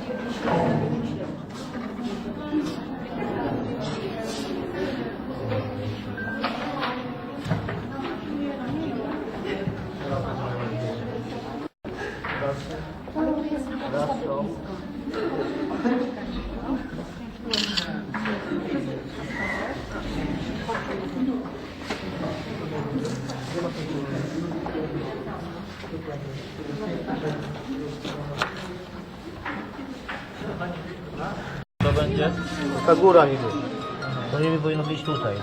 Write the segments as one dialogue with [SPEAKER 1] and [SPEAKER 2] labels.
[SPEAKER 1] To będzie?
[SPEAKER 2] Ta góra niby.
[SPEAKER 1] To niby powinno być tutaj.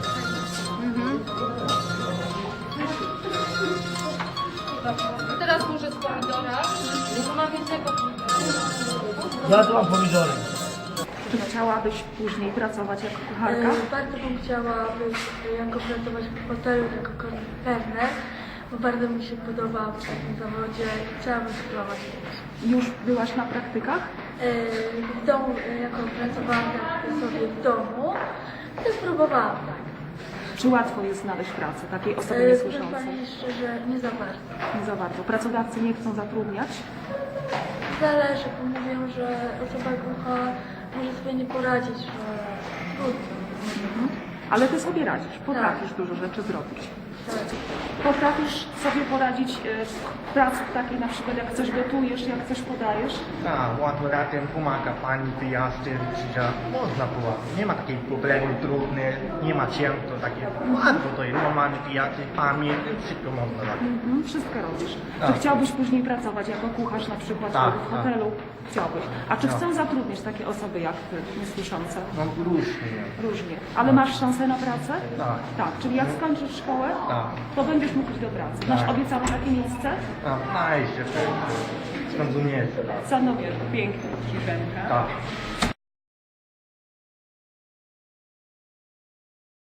[SPEAKER 3] Teraz może z pomidora. To ma więcej
[SPEAKER 1] Ja tu mam pomidory.
[SPEAKER 4] Czy chciałabyś później pracować jako kucharka?
[SPEAKER 5] Bardzo bym chciała być, jako pracować w hotelu jako kelner, bo bardzo mi się podoba w takim zawodzie i chciałabym spróbować.
[SPEAKER 4] Już byłaś na praktykach?
[SPEAKER 5] W domu, jako pracowałam tak sobie w domu, to spróbowałam tak.
[SPEAKER 4] Czy łatwo jest znaleźć pracę takiej osoby
[SPEAKER 5] Proszę
[SPEAKER 4] niesłyszącej?
[SPEAKER 5] Pani szczerze, nie za bardzo.
[SPEAKER 4] Nie za bardzo. Pracodawcy nie chcą zatrudniać?
[SPEAKER 5] Zależy, bo mówią, że osoba głucha może sobie nie poradzić, że trudno.
[SPEAKER 4] Ale ty sobie radzisz, potrafisz dużo rzeczy zrobić.
[SPEAKER 5] Tak.
[SPEAKER 4] Potrafisz sobie poradzić w pracy takiej, na przykład jak coś gotujesz, jak coś podajesz?
[SPEAKER 2] Tak, łatwo razem pomaga pani wyjazdy, że można było. Nie ma takiej problemu trudny, nie ma cięto takie. Łatwo to jest, normalny wyjazdy, pamięć, wszystko można robić.
[SPEAKER 4] Wszystko robisz.
[SPEAKER 2] Tak.
[SPEAKER 4] Czy chciałbyś później pracować jako kucharz na przykład
[SPEAKER 2] Tak,
[SPEAKER 4] w hotelu? Chciałbyś. A czy
[SPEAKER 2] Tak.
[SPEAKER 4] chcą zatrudniać takie osoby jak ty, niesłyszące?
[SPEAKER 2] No różnie.
[SPEAKER 4] Różnie. Ale masz szansę na pracę?
[SPEAKER 2] Tak.
[SPEAKER 4] Tak, czyli jak skończysz szkołę,
[SPEAKER 2] Tak.
[SPEAKER 4] to będziesz mógł iść do pracy. Masz
[SPEAKER 2] Tak.
[SPEAKER 4] obiecane takie miejsce?
[SPEAKER 2] No, jeszcze to jest. Skąd nie jest.
[SPEAKER 4] Sanowie, pięknie, Żenka.
[SPEAKER 2] Tak.